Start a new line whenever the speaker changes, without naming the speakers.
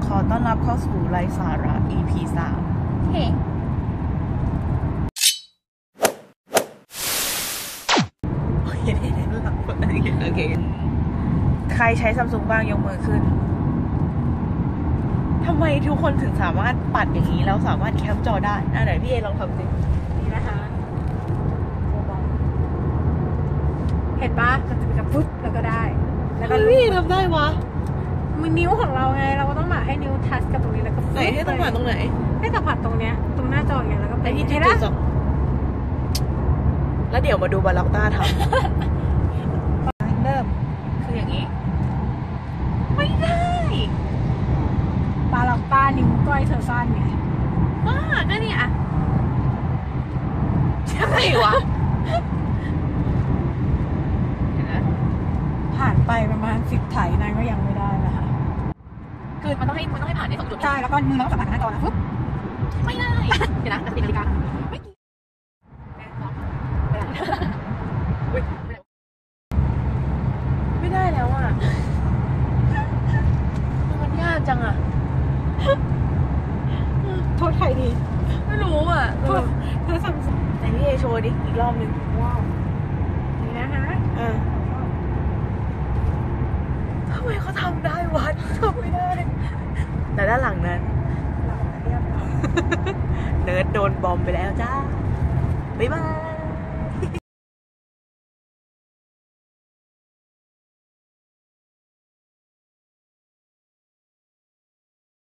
ขอต้อนรับเข้าสู่ไร้สาระ EP 3
เฮ้
โอเคใครใช้ซัมซุงบ้างยกมือขึ้นทำไมทุกคนถึงสามารถปัดอย่างนี้แล้วสามารถแคปจอได้ไหนพี่เอลองทำสิ
นี่นะคะเห็นปะมันจะเป็นกับปุ๊บแล้วก็ได้แล้วก็
พี่ทำได้วะ
มือนิ้วของเราไงเราก็ต้องมาให้นิ้วทัชกับตรงนี้แล้วก็
ไหนให้สัมผัสตรงไหน
ให้สัมผัสตรงเนี้ยตรงหน้าจออย่างเงี้ยแล้วก็
ไปที่จุดสองแล้วเดี๋ยวมาดูบาล็อกต้าทำเริ่มคืออย่างนี้ไม่ได้
บาล็อกต้านิ้วก้อยเธอสั้นไง
ก็นี่อะใช่วะ
ผ่านไปประมาณ10 ไถนางก็ยังไม่ได้นะคะ
คือมันต้องให้ผ่านใน2 จุด
ใช่แล้วก็มือเราสัมผัสกับหน้าจอนะปุ๊บ
ไม่ได้เดี๋ยวนะจะติดนาฬิกาไม่ได้แล้วอ่ะมันยากจังอ่ะ
โทษใครดี
ไม่รู้อ่ะ
โทษสั่ง
ไหนพี่เอโชว์ดิอีกรอบนึง
ว้าวนี่นะคะ
ทำไมเขาทำได้วะทำไม่ได้แต่ด้านหลังนั้นเนิร์ดโดนบอมไปแล้วจ้าบ๊ายบาย